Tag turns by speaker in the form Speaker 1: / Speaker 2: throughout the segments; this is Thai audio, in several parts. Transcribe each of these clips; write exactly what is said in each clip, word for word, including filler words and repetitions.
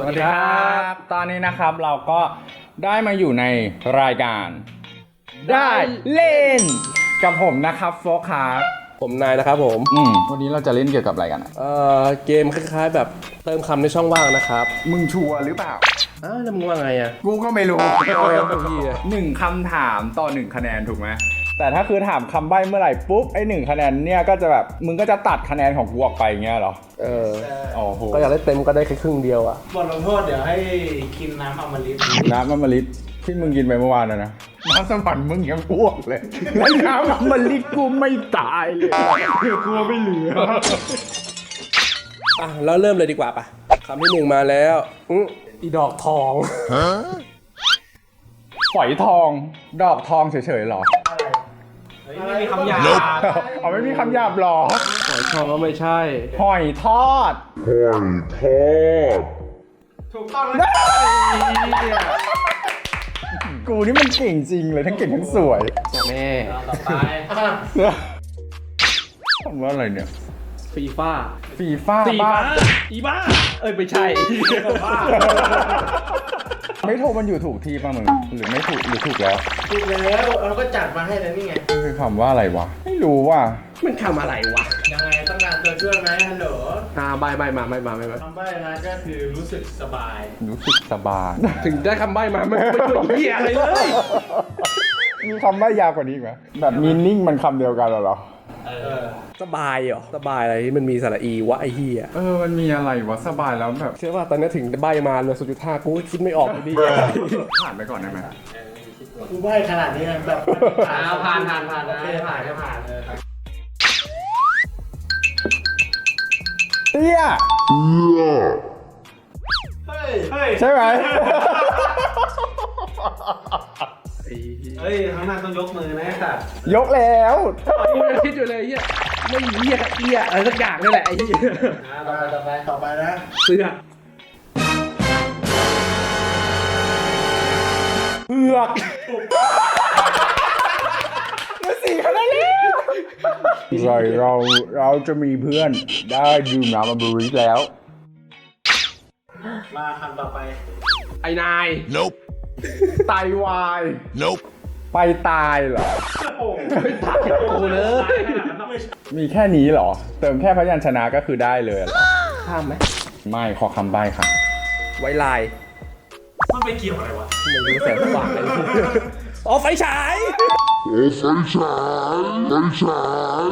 Speaker 1: สวัสดีครับตอนนี้นะครับเราก็ได้มาอยู่ในรายการได้เล่นกับผมนะครับโฟกครับ
Speaker 2: ผมนายนะครับผม
Speaker 1: อืมวันนี้เราจะเล่นเกี่ยวกับอะไรกันอ่ะ
Speaker 2: เอ่อเกมคล้ายๆแบบเติมคำในช่องว่างนะครับ
Speaker 1: มึงชัวร์หรือเปล่า
Speaker 2: อ้าวแล้วมึงว่าไงอ่ะ
Speaker 1: กูก็ไม่รู้
Speaker 2: พี่
Speaker 1: หนึ่งคำถามต่อหนึ่งคะแนนถูกไหมแต่ถ้าคือถามคำใบ้เมื่อไหร่ปุ๊บไอ้หนึ่งคะแนนเนี่ยก็จะแบบมึงก็จะตัดคะแนนของกูออกไปเงี้ยเหรอ
Speaker 2: เออ
Speaker 1: โอ้โห
Speaker 2: ก็อยากได้เต็มก็ได้แค่ครึ่งเดียวอ่ะ
Speaker 3: บทลงโทษเดี๋ยวให้กินน้ำอมฤต
Speaker 1: น้ำอมฤตที่มึงกินไปเมื่อวานนะนะน้ำสวรรค์มึงยังอ้วกเลยแล้วน้ำอมฤตกูไม่ตายเลยเดี๋ยวกูไม่เหลือ
Speaker 2: อ่ะแล้วเริ่มเลยดีกว่าปะคำที่หนึ่งมาแล้วอืออีดอกทอง
Speaker 1: ฝอยทองดอกทองเฉยๆหรอ
Speaker 3: ไม่มีคำหยาบ
Speaker 1: เอาไม่มีคำหยาบหรอ
Speaker 2: หอยทองก็ไม่ใช่
Speaker 1: หอยทอด
Speaker 4: หอยทอด
Speaker 3: ถูกต้องแล้ว
Speaker 1: กูนี่มันเก่งจริงเลยทั้งเก่งทั้งสวย
Speaker 2: แม่
Speaker 3: ต่อไป
Speaker 1: คำว่าอะไรเนี่ย
Speaker 2: ฟีฟ่า
Speaker 1: ฟีฟ่า
Speaker 2: ฟีฟ่าอีบ้าเอ้ยไม่ใช่
Speaker 1: ไม่โทรมันอยู่ถูกที่ป่ะมึงหรือไม่ถูกหรือถูกแล้ว
Speaker 3: ถูกแล้วเราก็จัดมาให้แล้วนี่ไง
Speaker 1: คือคำว่าอะไรวะไม่รู้ว่ะ
Speaker 2: มันคำอะไรวะ
Speaker 3: ยังไงต้องการตัวช่วยไหมฮัลโหล
Speaker 2: อ่าใบใบมาไม่มาไม่มา
Speaker 3: คำใบ้นะก็คือรู้สึกสบาย
Speaker 1: รู้สึกสบาย
Speaker 2: ถึงได้คำใบมาไม่ไม่ช่วยเหี้ยอะไรเลย
Speaker 1: มีคำใบ้ยาวกว่านี้ไหมแบบมีนิ่งมันคำเดียวกันเหรอ
Speaker 3: เออ
Speaker 2: สบายเหรอสบายอะไรที่มันมีสระอีวะไอ้เหี้ย
Speaker 1: เออมันมีอะไรวะสบายแล้วแบบ
Speaker 2: เชื่อว่าตอนนี้ถึงใบมาเลยสุดจุดห้ากูก็คิดไม่ออกเลยดิ
Speaker 1: ผ่านไปก่อนได้ไหม
Speaker 3: กูใบ้ขนาดนี้แบบผ่านผ่านผ่านผ่านนะผ่านก็ผ่านเลย
Speaker 1: เตี้ย
Speaker 3: เฮ้ยเฮ้ย
Speaker 1: ใช่ไหม
Speaker 3: เฮ้ยข้างหน้าต้องยกมือนะสัตว์
Speaker 1: ยกแล้ว
Speaker 2: กูยังคิดอยู่เลยเหี้ยไม่เหี้ยเหี้ยอะไรสักอย่างนี่แหละไอ้เหี้ย
Speaker 3: ต่อไปต่อไปต่อไปนะ
Speaker 2: เสื้อ
Speaker 1: เผือกมาสี่คะแนนแล้วใช่เราเราจะมีเพื่อนได้ดื่มน้ำอมฤตแล้ว
Speaker 3: มาคำต่อไป
Speaker 2: ไอ้นาย
Speaker 4: Nope
Speaker 1: ไตวาย
Speaker 4: Nope
Speaker 1: ไปตายเหรอ
Speaker 2: ไม่ตายกูเลย
Speaker 1: มีแค่นี้เหรอเติมแค่พยัญชนะก็คือได้เลย
Speaker 2: ข้ามไหม
Speaker 1: ไม่ขอคำใบ้ค่ะ
Speaker 2: ไว้ลาย
Speaker 3: มันไปเกี่ยวอะไรวะ
Speaker 2: ไม่รู้แสงสว่างเลยอ๋อไฟฉาย
Speaker 4: โอ้ไฟฉายไฟฉาย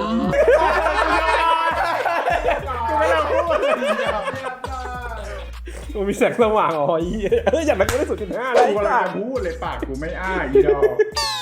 Speaker 1: กูไม่ต้องพูด
Speaker 2: มันมีแสงสว่างอ๋อเฮ้ยอย่างนั้นก็ได้สุดจุดห้าเลย
Speaker 1: กูกำลังจะพูดเลยปากกูไม่อ้าอีดอก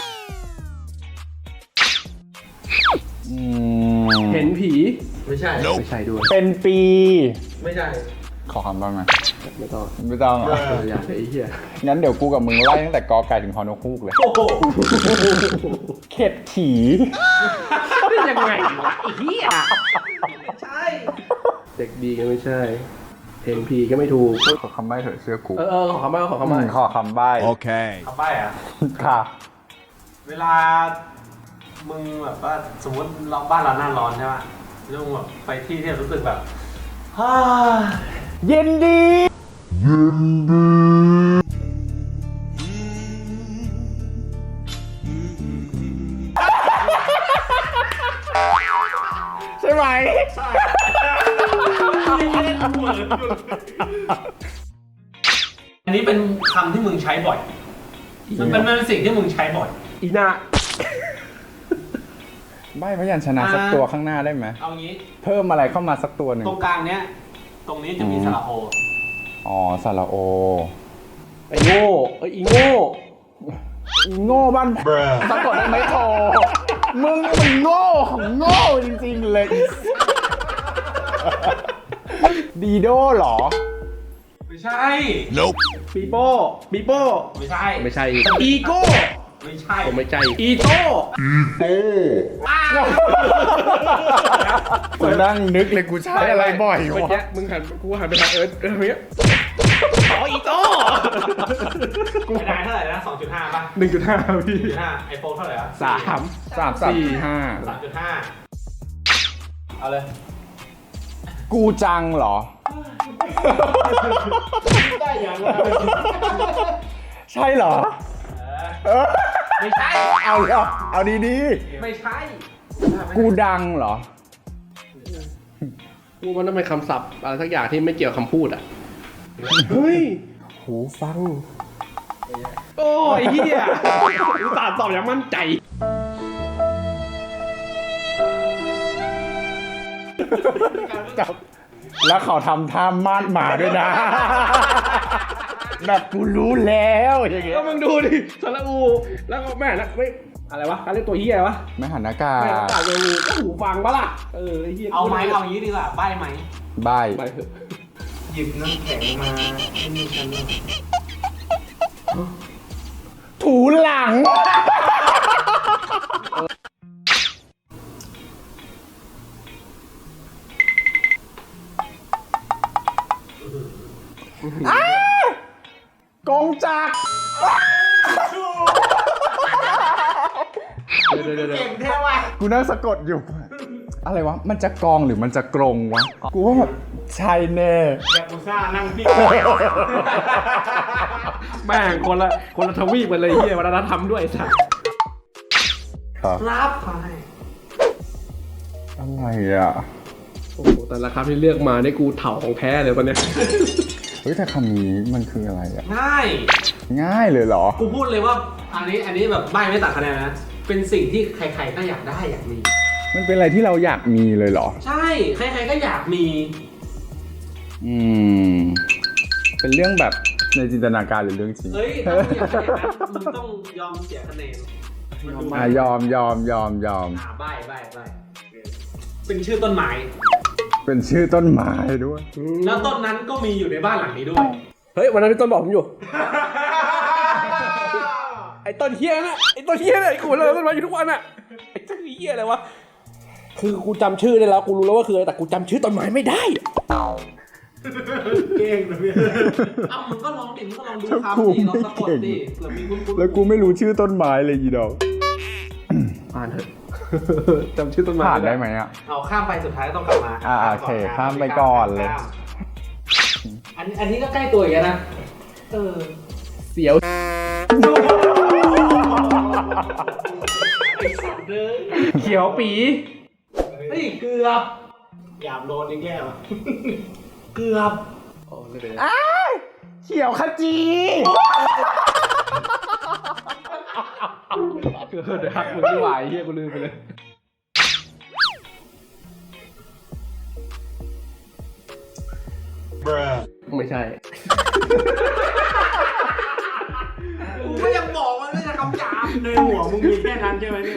Speaker 2: เห็นผี
Speaker 3: ไม่ใช่
Speaker 2: ไม่ใช่ด้วย
Speaker 1: เป็นปี
Speaker 3: ไม่ใช่
Speaker 1: ขอคำบ้างไหม
Speaker 2: ไม่ต้อง
Speaker 1: ไม่ต้องอ่ะ
Speaker 2: อย่าไอ้เหี้ย
Speaker 1: งั้นเดี๋ยวกูกับมึงไล่ตั้งแต่กอไก่ถึงฮอนกฮูกเลยเข็ดขี่
Speaker 2: เป็นยังไงวะไอ้เหี้ย
Speaker 3: ใช่
Speaker 2: เด็กดีก็ไม่ใช่เห็นผีก็ไม่ถูก
Speaker 1: ขอคำใบ้เถอะเชื่อกู
Speaker 2: เออขอคำใบ้ขอคำใบ้
Speaker 1: ขอคำใบ้
Speaker 4: โอเค
Speaker 3: คำใบ้อะ
Speaker 1: ค่ะ
Speaker 3: เวลามึงแบบว่าสมมติเราบ้านเราหน้าร้อนใช่ป่ะแล้วมึงแบบไปที่ที่รู้สึกแบบฮ่า
Speaker 1: เย็นดี
Speaker 4: เย็นดี
Speaker 1: ใช่ไหม
Speaker 3: ใช่อันนี้เป็นคำที่มึงใช้บ่อยมันเป็นมันเป็นสิ่งที่มึงใช้บ่อย
Speaker 2: อีน่า
Speaker 1: ใบ้พยัญชนะสักตัวข้างหน้าได้ไหม
Speaker 3: เอางี้
Speaker 1: เพิ่มอะไรเข้ามาสักตัวหนึ่ง
Speaker 3: ตรงกลางเนี้ยตรงนี้จะมีสระโอ
Speaker 1: อ๋อสระโอ
Speaker 2: ไอ้โง่ไอ้อีโง่
Speaker 1: อีโง่บ้านสะกดได้ไหมโทมึงนี่มันโง่ของโง่จริงๆเลยดีโดหรอ
Speaker 3: ไม่ใช่
Speaker 4: Nope
Speaker 2: ปีโป้ปีโป้
Speaker 3: ไม่ใช่
Speaker 2: ไม่ใช่อีโก้
Speaker 3: ไม่ใช่
Speaker 2: ผมไม่ใช่อีโต้
Speaker 4: อีโต้
Speaker 1: กูนั่งนึกเลยกูใช้อะไรบ่อยวะ
Speaker 2: มึงหันกูหันไปทางเอิร์ธเอิร์ธเนี้ยอ๋ออีโต้
Speaker 3: กูได้เท่าไหร่นะสองจุดห้าป่ะ
Speaker 2: หนึ่งจุดห้าพี่
Speaker 3: ห้าไอโฟนเท่าไหร่อะ
Speaker 2: สาม
Speaker 1: สามสี่ห้า
Speaker 3: สามจุดห้าเอาเลย
Speaker 1: กูจังเหรอ
Speaker 2: ได้อย่างไร
Speaker 1: ใช่เหรอเออ
Speaker 3: ไม่ใช่
Speaker 1: เอาเอาเอาดี
Speaker 3: ไม่ใช่
Speaker 1: ๆกูดังเหรอ
Speaker 2: กูมันต้องเป็นคำศัพท์อะไรสักอย่างที่ไม่เกี่ยวกับคำพูดอ่ะ เฮ้ย หูฟัง โอ้ยเฮียอุตส่าห์ตอบอย่างมั่นใจ
Speaker 1: จับแล้วเขาทำท่ามาดหมาด้วยนะ แบบกูรู้แล้วอย่างเงี้ย
Speaker 2: ก็มึงดูดิสระอู แล้วก็แม่นะไม่อะไรวะการเรียกตัวเฮียอะไรวะ
Speaker 1: ไม่หันหน้ากา
Speaker 2: แม่ตาตัวงูก็หูฟังปะล่ะ เออไอ้เฮีย
Speaker 3: เอาไหมเอาอย่างนี้ดีกว่าใบไหม
Speaker 1: ใบ
Speaker 2: ไปเถอะ
Speaker 3: หยิบน้ำแข็งมาให้มีกันหน่อย
Speaker 1: ถูหลัง อ้ากงจักร
Speaker 2: เดี๋ยวเดี๋ยวเดี๋ยว
Speaker 3: เก่งแท้ว่ะ
Speaker 1: กูนั่งสะกดอยู่ อะไรวะ มันจะกองหรือมันจะกรงวะ กูว่าแบบใช่แน่
Speaker 3: แบบอุตส่าห์นั่งพี่
Speaker 2: แม่งคนละคนละทวีปกันเลยเฮียวัฒนธรรมด้วยสัส
Speaker 1: ครับ
Speaker 3: รับไป
Speaker 1: อะไรอ่ะ
Speaker 2: โอ้โหแต่ละคำที่เลือกมาได้กูเถ่าของแท้เลยตอนเนี้ย
Speaker 1: เฮ้ยแต่คำนี้มันคืออะไรอ่ะ
Speaker 3: ง่าย
Speaker 1: ง่ายเลยเหรอ
Speaker 3: กูพูดเลยว่า อันนี้อันนี้แบบใบไม่ตัดคะแนนนะ เป็นสิ่งที่ใครๆก็อยากได้อยากมี
Speaker 1: มันเป็นอะไรที่เราอยากมีเลยเหรอ
Speaker 3: ใช่ ใครๆก็อยากมี
Speaker 1: อืม เป็นเรื่องแบบในจินตนาการหรือเรื่องจริง
Speaker 3: เฮ้ยถ้ามึงอยากได้อย่างนั้นมึงต้องยอมเสียคะแนนมันดู
Speaker 1: อ่ะยอมยอมยอมยอม
Speaker 3: อ่าใบใบใบเป็นชื่อต้นไม้
Speaker 1: เป็นชื่อต้นไม้ด้วย
Speaker 3: แล้วต้นนั้นก็มีอยู่ในบ้านหลังนี้ด้วย
Speaker 2: เฮ้ยวันนั้นพี่ต้นบอกผมอยู่ ไอ้ต้นเฮียน่ะไอ้ต้นเฮียน่ะไอ้กูเลยต้นมาอยู่ทุกวันอ่ะไอ้ต้นเฮียอะไรวะคือกูจำชื่อได้แล้วกูรู้แล้วว่าคืออะไรแต่กูจำชื่อต้นไม้ไม่ได้
Speaker 3: เก่งนะพี่เอ้ามึงก็ลองดิมึงก็ลองดู
Speaker 1: ถ้า
Speaker 3: คำ
Speaker 1: กู
Speaker 3: ดิลอง
Speaker 1: ไม่
Speaker 3: สะกด
Speaker 1: เก่ง
Speaker 3: ดิเผื่อมีคุณคุณ
Speaker 1: แล้วกูไม่รู้ชื่อต้นไม้เลยอีดอก
Speaker 2: อ่านเถอะ จำชื่อต้นไม้
Speaker 1: ผ่านได้ไหมอ่ะ
Speaker 3: เอาข้ามไปสุดท้ายต้องกลับมา
Speaker 1: อ่าโอเคข้ามไปก่อนเลย
Speaker 3: ข้ามอันอันนี้ก็ใกล้ตัวอีกแล้วนะ เออ
Speaker 2: เสียว
Speaker 3: ไอ้สัตว์เลย
Speaker 2: เขียวปี
Speaker 3: เฮ้ยเกือบหยาบโดนอีกแล้วเกือบ
Speaker 2: อ๋อไม่เป็นไร
Speaker 1: อ้ายเขียวขจี
Speaker 2: เดี๋ยวหักมึงไม่ไหวเฮียกูลืมไปเลย ไม่ใช่
Speaker 3: กูก็ยังบอกว่าไม่ใช่คำหยาบในหัวมึงมีแค่นั้นใช่ไหมเนี่ย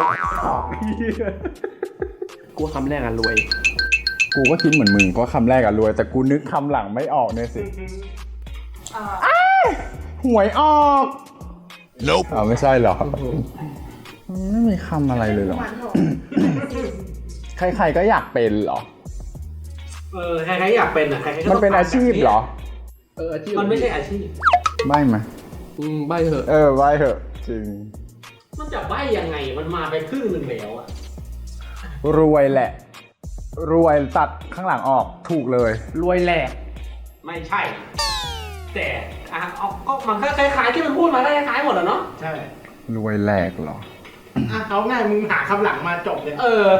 Speaker 2: กูว่าคำแรกอ่ะรวย
Speaker 1: กูก็คิดเหมือนมึงเพราะคำแรกอะรวย แต่กูนึกคำหลังไม่ออกเนี่ยสิอ้ายหวยออก
Speaker 4: Nope
Speaker 1: อ้าวไม่ใช่เหรอ ไม่มีคำอะไรเลยเหรอ ใครๆก็อยากเป็นเหรอ
Speaker 3: เออใครๆอยากเป็นอ่ะใครๆก็
Speaker 1: มัน
Speaker 3: ต้อง
Speaker 1: เป็นอาชีพเหรอ
Speaker 2: เอออาชีพ
Speaker 3: มันไม่ใช่อาชีพ
Speaker 1: ไม่ไหม
Speaker 2: อืมใบเถอะ
Speaker 1: เออไว้เถอะจริง
Speaker 3: มันจะใบ้ยังไงมันมาไปครึ่งหนึ่งแล้วอ่ะ
Speaker 1: รวยแหละ รวยตัดข้างหลังออกถูกเลย
Speaker 2: รวยแหลก
Speaker 3: ไม่ใช่ แต่อ่ะเอาก็มันก็คล้ายๆที่มันพูดมาก็คล้ายๆหมดอะเนาะใช่
Speaker 1: รวยแหลกเหรอ
Speaker 3: อ่ะเอาง่ายมึงหาคำหลังมาจบเลยเออ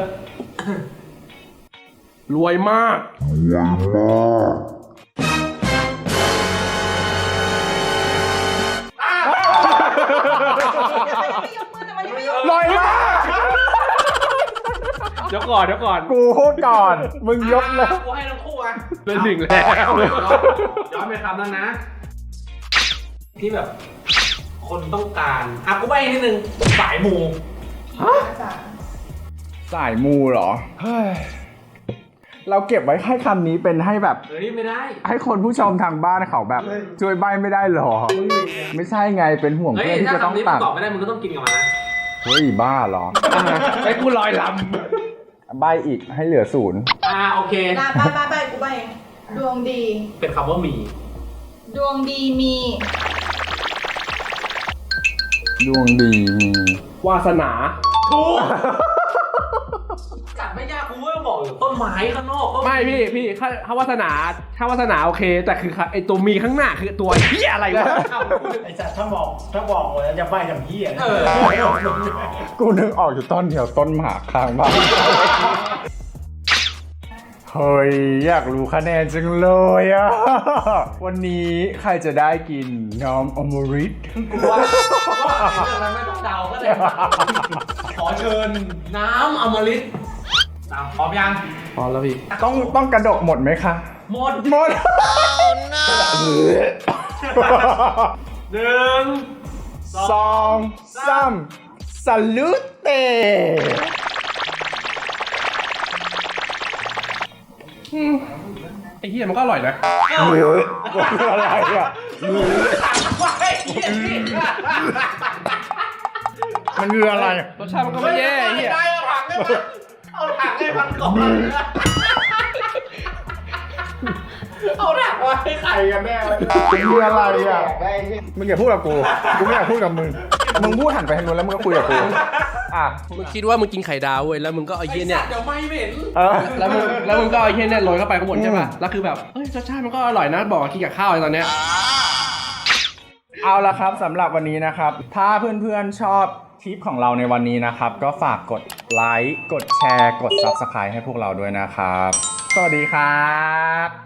Speaker 2: รวยมาก
Speaker 1: รวยมาก
Speaker 2: เดี๋ยวก่อนเดี๋ยวก่อน
Speaker 1: กูพูดก่อน มึงยกเลย
Speaker 3: กูให้ทั้งคู่อ่ะ
Speaker 2: เป็นหนึ่งแล้ว
Speaker 3: ย้อนไปคำนั้นนะ ที่แบบ คนต้องการอ่ะกูใบ้นิดนึงสายมู
Speaker 1: สายมูเหรอ เฮ้ย เราเก็บไว้ให้คำนี้เป็นให้แบบ
Speaker 3: เฮ้ยไม่ได้
Speaker 1: ให้คนผู้ชมทางบ้านเขาแบบ ช่วยใบไม่ได้เหรอ ไม่ใช่ไงเป็นห่วง
Speaker 3: เฮ้ย
Speaker 1: เพื่อนที่
Speaker 3: ถ้า
Speaker 1: จะต้อง
Speaker 3: คำนี้มึ
Speaker 1: ตั
Speaker 3: ง
Speaker 1: ด
Speaker 3: ตอบไม่ได้มึงก็ต้องกินกับมันนะ
Speaker 1: เฮ้ยบ้าเหรอ
Speaker 2: ไอ้กูลอยล
Speaker 1: ใบอีกให้เหลือศูนย์
Speaker 3: อ่าโอเค
Speaker 5: นะไปไปไปกูไปเองดวงดี
Speaker 3: เป็นคำว่ามี
Speaker 5: ดวงดีมี
Speaker 1: ดวงดีมี
Speaker 2: ำวาสนา
Speaker 3: ถูก
Speaker 5: ใจ
Speaker 3: สัตว์ไม่ยากกูก็บอกอยู่ต้นไม้ข้างนอกก็
Speaker 2: ไม่พี่พี่ถ้าถ้าวาสนาถ้าวาสนาโอเค แต่คือไอตัวมีข้างหน้าคือตัวเหี้ยอะไรวะ
Speaker 6: ไอ้สัตว์ถ้าบอกถ้าบอกหมดแล้วจะใบ้ทำเหี้ย
Speaker 3: เออ
Speaker 1: กูนึกออกอยู่ต้นเดียวต้นหมากข้างบ้านเฮ้ยอยากรู้คะแนนจังเลยอะวันนี้ใครจะได้กินน้ำอมฤต
Speaker 3: กูว่าว่าในเรื่องนั้นไม่ต้องเดาก็ได้ขอเชิญน้ำอมฤตตามพร้อมยัง
Speaker 2: พอแล้วพี่
Speaker 1: ต้องต้องกระดกหมดไหมคะ
Speaker 3: หมด
Speaker 1: หมด
Speaker 3: หนึ่ง
Speaker 1: สองสามสลูเต
Speaker 2: ไอ้เหี้ยมันก็อร่อยนะ
Speaker 1: เฮ้ยอะไรอ่ะมันคืออะไร
Speaker 2: รสชาติมันก็ไม่แย่ไอ้เหี้ย
Speaker 3: ได้เอาถังให้มันเอาถังให้มันก่อนเอาถังมาให้ใครกันแน่วะ
Speaker 1: มันคืออะไรอ่ะมึงอย่าพูดกับกูกูไม่อยากพูดกับมึงมึงพูดหันไปทางนู้นแล้วมึงก็คุยกับกูอ่ะ
Speaker 2: มึงคิดว่ามึงกินไข่ดาวเว้ยแล้วมึงก็เอา
Speaker 3: ไอ้
Speaker 2: เหี้ยเนี่ย
Speaker 3: สัตว์เดี๋ยวไม่เหม็น
Speaker 1: เออ
Speaker 2: แล้วมึงแล้วมึงก็เอาไอ้เหี้ยเนี่ยโรยเข้าไปข้างบนใช่ป่ะแล้วคือแบบเฮ้ยรสชาติมันก็อร่อยนะบอกว่ากินกับข้าวไอ้ตอนเนี้ย
Speaker 1: เอาละครับสำหรับวันนี้นะครับ ถ้าเพื่อนๆชอบคลิปของเราในวันนี้นะครับ ก็ฝากกดไลค์กดแชร์กด ซับสไครบ์ ให้พวกเราด้วยนะครับ สวัสดีครับ